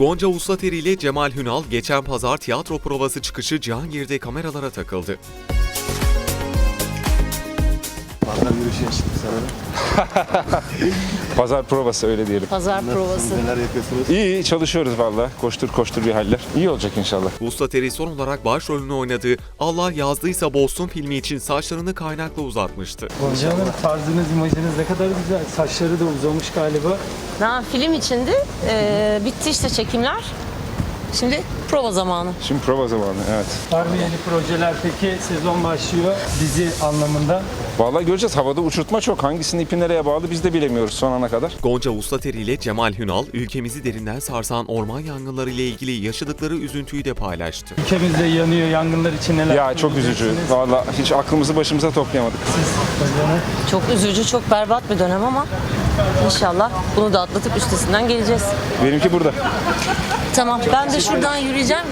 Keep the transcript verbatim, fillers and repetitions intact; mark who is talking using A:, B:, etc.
A: Gonca Uslateri ile Cemal Hünal geçen pazar tiyatro provası çıkışı Cihangir'de kameralara takıldı.
B: Pazar yürüyüşü yaşadık sanırım.
C: Pazar provası öyle diyelim.
D: Pazar provası.
B: Neler yapıyorsunuz?
C: İyi çalışıyoruz valla. Koştur koştur bir haller. İyi olacak inşallah.
A: Uslateri son olarak başrolünü oynadığı Allah Yazdıysa Bozsun filmi için saçlarını kaynakla uzatmıştı.
E: Gonca Hanım, tarzınız, imajınız ne kadar güzel. Saçları da uzamış galiba.
D: Ha, film içindi. Ee, bitti işte çekimler. Şimdi prova zamanı.
C: Şimdi prova zamanı, evet.
E: Var mı yeni projeler peki? Sezon başlıyor dizi anlamında.
C: Vallahi göreceğiz. Havada uçurtma çok. Hangisinin ipi nereye bağlı biz de bilemiyoruz son ana kadar.
A: Gonca Uslateri ile Cemal Hünal, ülkemizi derinden sarsan orman yangınları ile ilgili yaşadıkları üzüntüyü de paylaştı.
E: Ülkemizde yanıyor, yangınlar için neler
C: Ya çok üzücü.
E: söyleyeceksiniz?
C: Vallahi hiç aklımızı başımıza toplayamadık.
E: Gonca Hanım.
D: Çok üzücü, çok berbat bir dönem ama inşallah bunu da atlatıp üstesinden geleceğiz.
C: Benimki burada.
D: Tamam, ben de şuradan yürüyeceğim.